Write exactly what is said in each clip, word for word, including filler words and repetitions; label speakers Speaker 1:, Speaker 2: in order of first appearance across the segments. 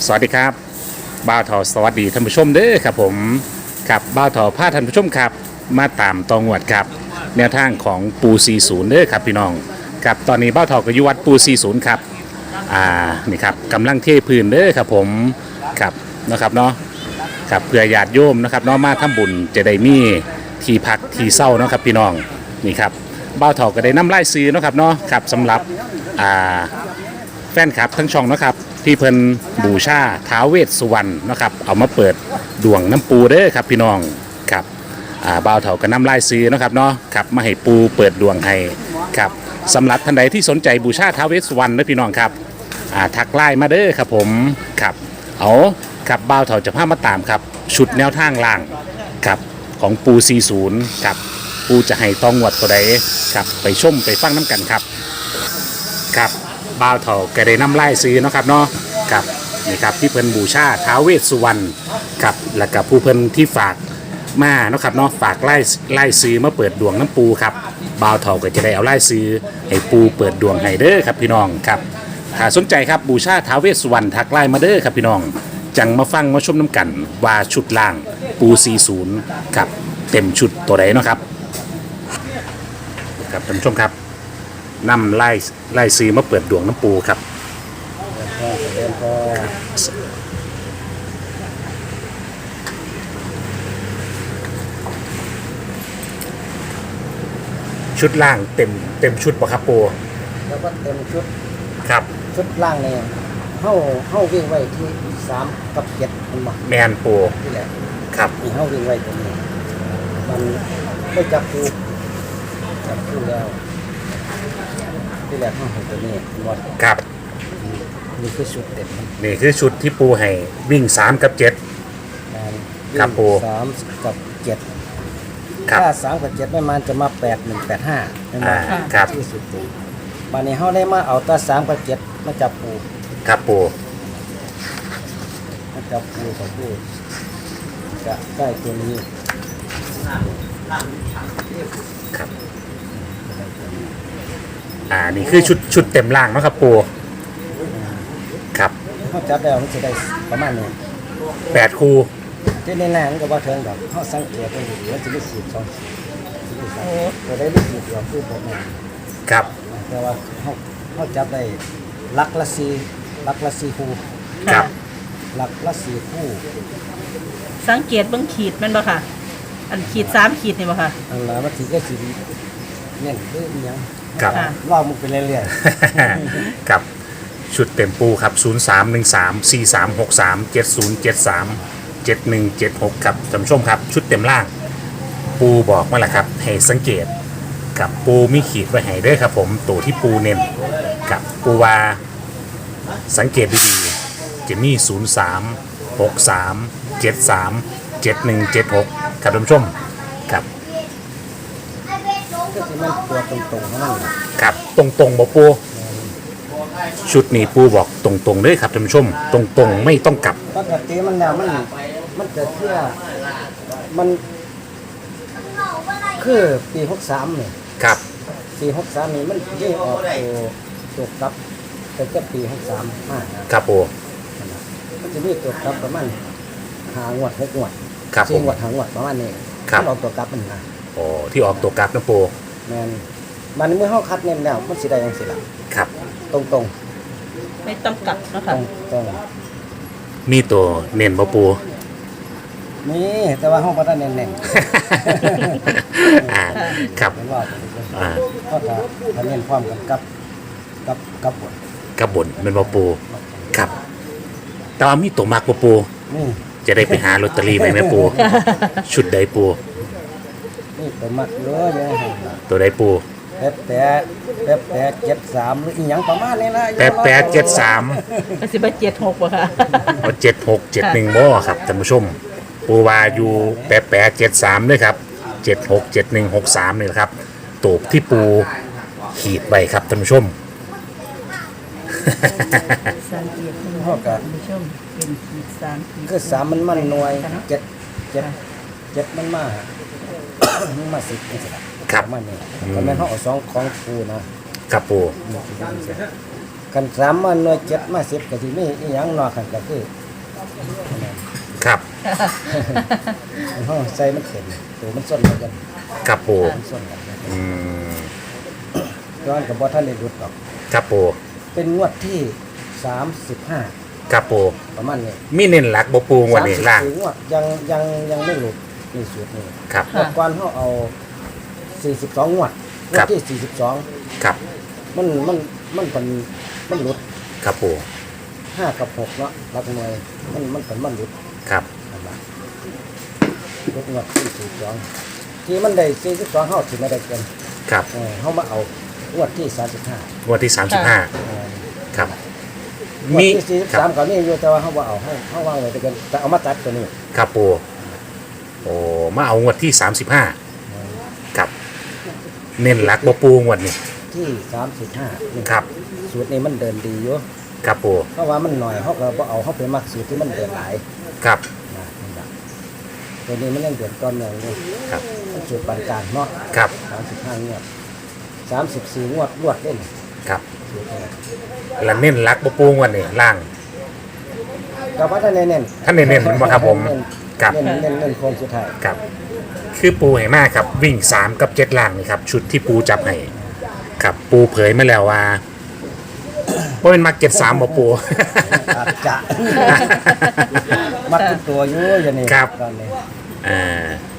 Speaker 1: สวัสดีครับบ้าวทอสวัสดีท่านผู้ชมเด้อครับผมครับบ้าวทอพาท่านผู้ชมครับมาตามตองวดครับแนวทางของปูสี่สิบเด้อครับพี่น้องครับตอนนี้บ้าวทอก็อยู่วัดปูสี่สิบครับอ่านี่ครับกำลังเทพื้นเด้อครับผมครับนะครับเนาะครับเพื่อญาติโยมนะครับเนาะมาทำบุญจะได้มีที่พักที่เศร้าเนาะครับพี่น้องนี่ครับบ้าวทอก็ได้นำไล่ซื้อเนาะครับเนาะครับสำหรับอ่าแฟนคลับทั้งช่องนะครับที่เพิ่นบูชาท้าวเวสสุวรรณนะครับเอามาเปิดดวงน้ำปูเด้อครับพี่น้องครับอ่าบ่าวเถาก็นำลายซื้อนะครับเนาะครับมาให้ปูเปิดดวงให้ครับสำหรับท่านใดที่สนใจบูชาท้าวเวสสุวรรณนะพี่น้องครับอ่าทักไลน์มาเด้อครับผมครับเอาครับบ่าวเถาจะพามาตามครับชุดแนวทางล่างครับของปูสี่สิบครับปูจะให้ตองวดตัวใดครับไปชมไปฟังน้ำกันครับครับบ่าวเถาก็ได้นำไล่ซื้อเนาะครับเนาะครับนี่ครับที่เพิ่นบูชาท้าวเวสสุวรรณครับแล้วก็ผู้เพิ่นที่ฝากมาเนาะครับเนาะฝากไล่ไล่ซื้อมาเปิดดวงน้ำปูครับบ่าวเถาก็จะได้เอาไล่ซื้อให้ปูเปิดดวงให้เด้อครับพี่น้องครับถ้าสนใจครับบูชาท้าวเวสสุวรรณทักไล่มาเด้อครับพี่น้องจังมาฟังมาชมน้ำกันว่าชุดล่างปูสี่สิบครับเต็มชุดตัวใดเนาะครับครับท่านผู้ชมครับนำไล่ไล่ซื้อมาเปิดดวงน้ำปูครับชุดล่างเต็มเต็มชุดป่ะครับปู
Speaker 2: แล้วก็เต็มชุด
Speaker 1: ครับ
Speaker 2: ชุดล่างเนี่ยเข้าเข้าวิ่งไว้ที่สามกับเจ็ดมันมา
Speaker 1: แมนปู
Speaker 2: นี่แหละ
Speaker 1: ครับ
Speaker 2: มีเข้าวิ่งไว้ตรงนี้มันไม่จับปูจับปูแล้วที่แหละเข้าตัวนี้หมด
Speaker 1: ครับ
Speaker 2: นี่คือชุดเต็ม
Speaker 1: นี่คือชุดที่ปูให้วิ่งสามกับเจ็ดครับปู
Speaker 2: สามกับเจ็ดถ้าสามกับเจ็ดไม่มันจะมาแปดหนึ่งแปดห้าไม่มา
Speaker 1: ครับ
Speaker 2: ที่สุดปูมาในเข้าได้มาเอาตาสามกับเจ็ดมาจับปู
Speaker 1: ครับปู
Speaker 2: มาจับปูกับปูจะได้ตัวนี้
Speaker 1: ครับอ่านี่คือชุดชุดเต็มล่างนะครับปูครับ
Speaker 2: เขาจับแล้วมันจะได้ประมาณนี้
Speaker 1: แปดคู่
Speaker 2: ที่ในแรงก็ว่าเทิงแบบเขาสังเกตได้ดีว่าจะได้สีสองสีจะได้สีเดียวคือผมเอง
Speaker 1: ครับ
Speaker 2: แต่ว่าเขาเขาจับได้ลักละสีลักละสีคู่
Speaker 1: ครับ
Speaker 2: ลักละสีคู่
Speaker 3: สังเกตเบื้องขีดมันบ่ค่ะอันขีดสามขีดนี่บ่ค่ะ
Speaker 2: อันนั้นมันสีก็สีเนี่ยคือยัง
Speaker 1: ครับ
Speaker 2: ว่ามึงไปเรื่อย
Speaker 1: ๆครับชุดเต็มปูครับศูนย์ สาม หนึ่ง สาม สี่ สาม หก สาม เจ็ด ศูนย์ เจ็ด สาม เจ็ด หนึ่ง เจ็ด หกครับท่านผู้ชมครับชุดเต็มล่างปูบอกมาแหละครับให้สังเกตกับปูมีขีดไว้ให้ด้วยครับผมตัวที่ปูเน้นกับปูวาสังเกตดีๆจะมีศูนย์ สาม หก สาม เจ็ด สาม เจ็ด หนึ่ง เจ็ด หกครับท่านผู้ชมครับ
Speaker 2: ก็คือมันตัวตรงๆของมัน
Speaker 1: ครับตรงๆบ่ปูชุดนี้ปูบอกตรงๆเลยครับท่านผู้ชมตรงๆไม่ต้องกลับ
Speaker 2: ปกติมันแล้วมันมันจะเที่ยมันคือปีหกสามเนี่ย
Speaker 1: ครับ
Speaker 2: ปีหกสามนี่มันยิ่งออกตัวตัวกลับแต่ก็ปีหกสามห้า
Speaker 1: ครับปู
Speaker 2: มันจะมีตัวกลับประมาณหางวดหกงวดสี่งวดหางวดประมาณนี้
Speaker 1: มัน
Speaker 2: ออกตัวกลับมันนะ
Speaker 1: โอ้ที่ออกตัวกลับนะปู
Speaker 2: แมนมันเมื่อเขาคัดเน้นแล้วมันสิได้ยังสิล่ะ
Speaker 1: ครับ
Speaker 2: ตรงตรง
Speaker 3: ไม่ต้องกลับนะคะ
Speaker 2: ตรง
Speaker 1: มีตัวเน้นบ่ปู
Speaker 2: นี่แต่ว่าห้องพัฒนาเน้น
Speaker 1: อ่าครับ
Speaker 2: อ่าก็จะทำเน้นความกันกับกับกับบน
Speaker 1: กับบนเป็นบ่ปูครับแต่ว่ามีตัวมากบ่ปูจะได้ไปหาลอตเตอรี่ไปไหมปูชุดใดปู
Speaker 2: นี่ตัวมักเยอะยังไง
Speaker 1: ตัวใดปู
Speaker 2: แปดแปดแปดแปดเจ็ดสามหรืออีกอย่างประมาณนี้นะ
Speaker 1: แปดแปดเจ็ดสาม
Speaker 3: ก็สิบเจ็ดหกป่ะค่ะ
Speaker 1: เจ็ดหกเจ็ดหนึ่งบ่ครับท่านผู้ชมปูวาอยู่แปดแปดเจ็ดสามด้วยครับเจ็ดหกเจ็ดหนึ่งหกสามนี่ครับตูบที่ปูขีดไว้ครับท่านผู้ชม
Speaker 3: สังเกตท่านผู้ชมเป็นขีดสาม
Speaker 2: คือสามมันมันหน่วยเจ็ดเจ็ดเจ็ดมันมามันมาสิบนี่สิ
Speaker 1: ครับ
Speaker 2: มันนี่แต่แม่เขาเอาสองของปูนะครับ
Speaker 1: ปู
Speaker 2: กันสามมาหน่วยเจ็ดมาสิบก็สิมีอีหยังนอกกันก็คือ
Speaker 1: ครับ
Speaker 2: มันห้องใส่มันเต็มตัวมันส้นกัน
Speaker 1: ครับปู
Speaker 2: มันส้นกัน
Speaker 1: อืม
Speaker 2: ย้อนกับบ่ท่านได้รุดหรอก
Speaker 1: ครับปู
Speaker 2: เป็นงวดที่สามสิบห้า
Speaker 1: ครับปู
Speaker 2: ประมาณนี้
Speaker 1: มีเน้นหลักบ่ปูงวันนี้ล่าง
Speaker 2: สมสิบสี่งวดยังยังยังไม่หลุดนี่สูตรนี้
Speaker 1: ครับ
Speaker 2: งวดก่อนเขาเอาสี่สิบสองงวดงว
Speaker 1: ครั
Speaker 2: ด
Speaker 1: บ
Speaker 2: ที่สี่สิบสอง
Speaker 1: ครับ
Speaker 2: มันมันมันเป็นมันหลุด
Speaker 1: ครับปู
Speaker 2: ห้ากับหกเนาะหลักหน่วยมันมันเป็นมันหลุด
Speaker 1: ครับ
Speaker 2: นั่นล่ะหลุดงวดที่สี่สิบสองที่มันได้สี่สิบสองเขาถือไม่ได้เกิน
Speaker 1: ครับ
Speaker 2: เออเขามาเอางวดที่สามสิบห้าง
Speaker 1: วดที่สามสิบห้าครับ
Speaker 2: งวด
Speaker 1: มี
Speaker 2: ที่สี่สิบ
Speaker 1: ครั
Speaker 2: สาม
Speaker 1: บ
Speaker 2: ก็มีอยู่แต่ว่าเขาว่าเอาเขาเขาวางไว้แต่กันแต่เอามาตัดตัวนี้
Speaker 1: ครับปูโอ้มาเอางวดที่สามสิบห้าครับ เน้นหลักบ่ปูงวดนี้
Speaker 2: ที่สามสิบห้า
Speaker 1: ครับ
Speaker 2: สูตรนี้มันเดินดีอยู่
Speaker 1: ครับปู
Speaker 2: เพราะว่ามันหน่อยเขาก็บ่เอาเขาไปมักสูตรที่มันเดินหลาย
Speaker 1: ครับ
Speaker 2: นะนี่ล่ะตัวนี้มันยังเดินก้อนหนึ่งนี่
Speaker 1: ครับ
Speaker 2: มันสูตรปานกลางเนาะ
Speaker 1: ครับ
Speaker 2: สามสิบห้างวดสามสิบสี่งวดรวดเล่น
Speaker 1: ครับ
Speaker 2: สูตรนี้
Speaker 1: แล้วเน้นหลักบ่ปูงวดนี้ล่าง
Speaker 2: กับว่าท่านเน้น
Speaker 1: ท่านเน้นๆมันบ่ครับผม
Speaker 2: เน้น
Speaker 1: ครับ
Speaker 2: เน้นเน้นเน้นโค้งสุดท้าย
Speaker 1: ครับ คือปูให้มากครับวิ่งสามกับเจ็ดล่างนี่ครับ ชุดที่ปูจับให้ครับปูเผยมาแล้วว่าว่าเป็นมาเก็ตสามบ่ปู
Speaker 2: อาจจะ มักทุกตัวอยู่อย่างนี้
Speaker 1: ครับ
Speaker 2: ตอนนี้
Speaker 1: อ่า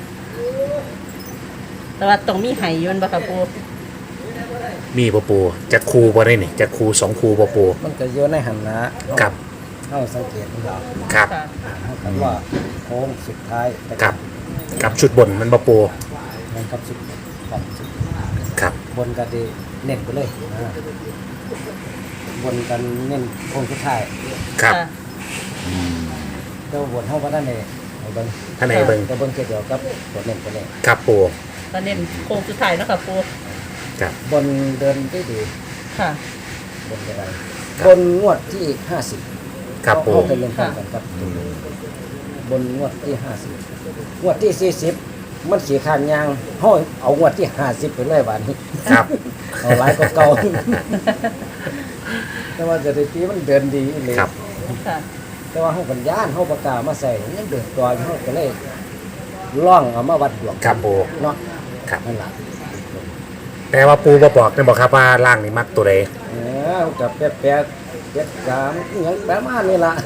Speaker 3: แต่ว่าต้องมีไห้อยืนบ่ค่ะปู
Speaker 1: มีบ่ปูจะคูบ่ได้นี่จะคูสองคูบ่ปู
Speaker 2: มันก็อยู่ในหันนะครับ เข้าสังเกตมันเรา
Speaker 1: ครับ
Speaker 3: ค่ะ
Speaker 2: เขาคำว่าโค้งสุดท้ายแต่
Speaker 1: ครับกับชุดบนมันบ่ปู
Speaker 2: มันกับสุดของสุด
Speaker 1: ครับ
Speaker 2: บนกันดีเน้นไปเลยนะบนกันเน้นโค้งสุดท้าย
Speaker 1: ครับ
Speaker 3: ค่ะ
Speaker 2: เจ้าบนเข้าก็ได้เลยเอาเบิ้ง
Speaker 1: ท่านไหนเบิ่ง
Speaker 2: แต่บนเกี่ยวกับบนเน้นไปเลย
Speaker 1: ครับปู
Speaker 3: ตอนเน้นโค้งสุดท้ายเนาะค่ะปู
Speaker 1: ครับ
Speaker 2: บนเดินได้ดี
Speaker 3: ค่ะ
Speaker 2: บนอะไร
Speaker 1: ครับ
Speaker 2: บนงวดที่ห้าสิบ
Speaker 1: ครับปู
Speaker 2: เข้าไปเล่นกันกันครับ บนงวดที่ห้าสิบงวดที่สี่สิบมันสีขานยางห้อยเอางวดที่ห้าสิบไปเลยวันนี้
Speaker 1: ครับ
Speaker 2: เอาหลายก็เก่า แต่ว่าจะได้ตีมันเดินดีเลย
Speaker 1: ครับ
Speaker 3: ค่ะ
Speaker 2: แต่ว่าห้องปัญญาห้องปากกามาใส่ยังเดินตัวอยู่ห้องก็เลยล่องเอามาวัดดวง
Speaker 1: ครับปู
Speaker 2: เนาะ
Speaker 1: ครับ
Speaker 2: นั่นแหละ
Speaker 1: แต่ว่าปูบ่บอกได้บ่ครับว่าล่างนี่มักตัวใด
Speaker 2: เออกับแปดแปดเจ็ดสามอหยังประมาณนี้ล่ะ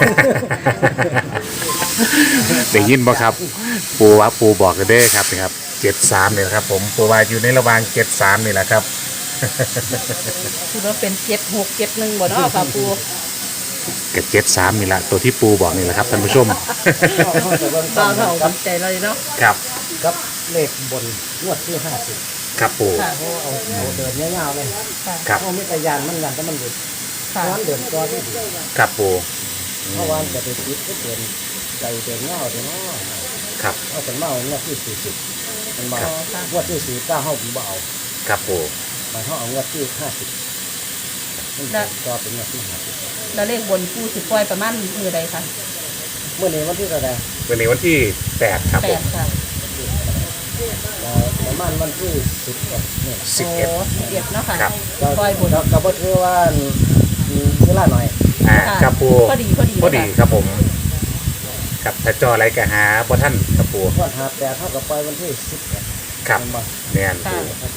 Speaker 1: ได้ยินบ่ครับ ปูว่าปูบอกกันเด้อครับนะครับเจ็ดสามนี่แหละครับ ผมปูว่าอยู่ในระหว่างเจ็ดสามนี่แหละครับ
Speaker 3: คือว่าเป็นเจ็ดหกเจ็ดหนึ่งบ่เนาะค่ะปู
Speaker 1: กับเจ็ดสามนี่แหละตัวที่ปูบอกนี่แหละครับท่านผู้ชม
Speaker 2: ห้องจะเบิ่ง
Speaker 3: ต
Speaker 2: ต้
Speaker 3: อน
Speaker 2: น
Speaker 3: เรา
Speaker 2: กับ
Speaker 3: ใจเลยเนาะ
Speaker 1: ครับ
Speaker 2: กับเลขบนงวดที่ห้าสิบ
Speaker 1: ครับปู
Speaker 3: ค่ะ
Speaker 2: เขาเอาเอาเดินยาวๆเลย
Speaker 3: ค่ะ
Speaker 1: ครับ
Speaker 2: เขาไม่ตะยานมันยันแต่มันหยุดเพ
Speaker 3: ค่ะ
Speaker 2: ราะฉะนั้นเดินตัวที่ดี
Speaker 1: ครับปู
Speaker 2: เพราะว่าจะไปติดก็เดินใจเดินเงาเดินเนาะ
Speaker 1: ครับ
Speaker 2: เอาเป็นเมางวดที่สี่สิบมันเมา
Speaker 1: ครับ
Speaker 2: งวดที่สี่เก้าเขาผมบ่เอา
Speaker 1: ครับปู
Speaker 2: มันเขาเอางวดที่ห้าสิบมันเดินก็เป็นงวดที่ห้าสิบ
Speaker 3: แล้วเลขบนปูสิปล่อยประมาณมือใดคะ
Speaker 2: เมื่อนี้วันที่เท่าไหร่
Speaker 1: วันนี้วันที่แปดครับ
Speaker 3: แป
Speaker 1: ผ
Speaker 3: ด
Speaker 1: ม
Speaker 3: ค่ะ
Speaker 2: เอ่อประมาณวันที่สิบเอ็ดนี่
Speaker 1: สิบเอ็ด
Speaker 3: โสิบเอ็ดเนาะค่ะ
Speaker 1: ครับ
Speaker 2: ก็
Speaker 3: ปล่อยบน
Speaker 2: ก็ก็บ่ถือว่ามีเวลาหน่อย
Speaker 1: อ่า
Speaker 3: ค่ะ
Speaker 1: ครับปู
Speaker 3: พอดีพอดี
Speaker 1: พอดี
Speaker 3: เลย
Speaker 1: ครับผมครับถ้าจออะไรก็หาบ่ท่านครับปู
Speaker 2: งวดหาแปดเท่ากับปล่อยวันที่สิบเอ็ด
Speaker 1: ครับ
Speaker 2: มันบ่
Speaker 1: แม่นปู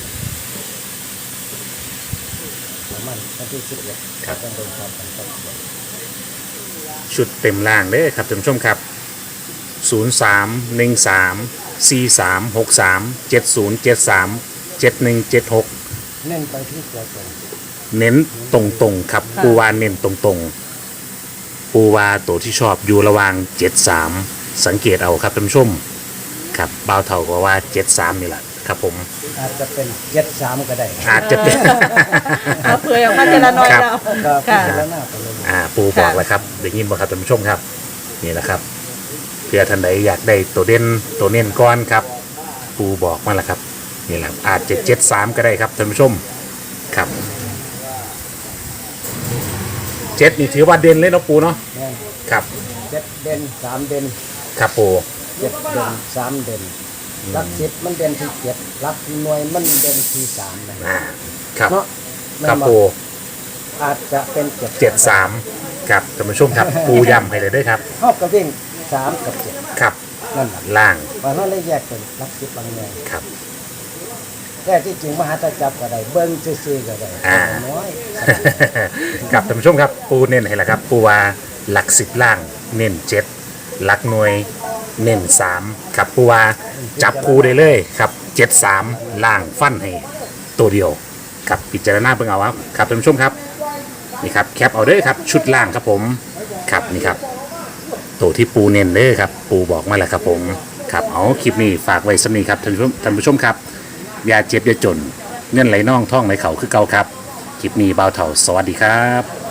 Speaker 2: ประมาณวันที่สิบเอ็ด
Speaker 1: ครับ
Speaker 2: ต้องโดนความกันครับ
Speaker 1: ชุดเต็มล่างเด้อครับท่านผู้ชมครับศูนย์สามหนึ่งสามสี่สามหกสามเจ็ดศูนย์เจ็ดสามเจ็ดหนึ่งเจ็ดหก
Speaker 2: เน้นไปที่ตัวตน
Speaker 1: เน้นตรงๆครับปูวาเน้นตรงๆ ปูวาตัวที่ชอบอยู่ระหว่างเจ็ดสามสังเกตเอาครับท่านผู้ชมครับบ่าวเท่าก็ว่าเจ็ดสามนี่แหละครับผม
Speaker 2: อาจจะเป็นเจ็ดสามก็ได้
Speaker 1: อาจจะเป็น
Speaker 3: เอาเผื่อออกมาเจละน้อย
Speaker 1: ครับ
Speaker 3: แล้ว
Speaker 2: ก็พิ
Speaker 3: ค่ะ
Speaker 2: จารณาไปเลย
Speaker 1: อ่าปูบอกแล้วครับได้ยินบ่ครับท่านผู้ชมครับนี่แหละครับเพื่อท่านใดอยากได้ตัวเด่นตัวเน้นก้อนครับ ปูบอกมาแล้วครับนี่แหละอาจจะเจ็ดสามก็ได้ครับท่านผู้ชมครับเจ็ดนี่ถือว่าเด่นเลยเนาะปูเนาะ
Speaker 2: แม่น
Speaker 1: ครับ
Speaker 2: เจ็ดเด่นสามเด่น
Speaker 1: ครับปู
Speaker 2: เจ็ดเด่นสามเด่นหลักสิบมันเด่นที่เจ็ดหลักหน่วยมันเด่นที่สามนะ
Speaker 1: อ่าครับ
Speaker 2: เนาะ
Speaker 1: ครับ
Speaker 2: แม่น
Speaker 1: ปู
Speaker 2: เอาจจะเป็นเจ็ด
Speaker 1: เจ็ดสามครับท่านผู้ชมครับปูย้ำให้เลยด้วยครับ
Speaker 2: เท่ากับวิ่งสามกับเจ็ด
Speaker 1: ครับ
Speaker 2: นั่นแหละ
Speaker 1: ล่าง
Speaker 2: เพราะนั้นเลยแยกเป็นลักสิบลังแนง
Speaker 1: ครับ
Speaker 2: แต่ที่จริงมหาตจับก็ได้เบิ้งซื่อๆก็ได้
Speaker 1: อ่า
Speaker 2: น้อย
Speaker 1: ครับท่านผู้ชมครับปูเน้นให้แล้วครับปูว่าหลักสิบล่างเน้นเจ็ดหลักหน่วยเน้นสามครับปูว่าจับปูได้เลยครับเจ็ดสามล่างฟันให้ตัวเดียวครับพิจารณาเพิ่งเอาครับครับท่านผู้ชมครับนี่ครับแคปเอาเด้อครับชุดล่างครับผมครับนี่ครับตัวที่ปูเน้นเด้อครับปูบอกมาแล้วครับผมครับเอาคลิปนี้ฝากไว้สำนีครับท่านผู้ชมท่านผู้ชมครับอย่าเจ็บอย่าจนเงินไหลน่องท่องไหลเข่าคือเก่าครับคลิปนี้บ่าวเถ่าสวัสดีครับ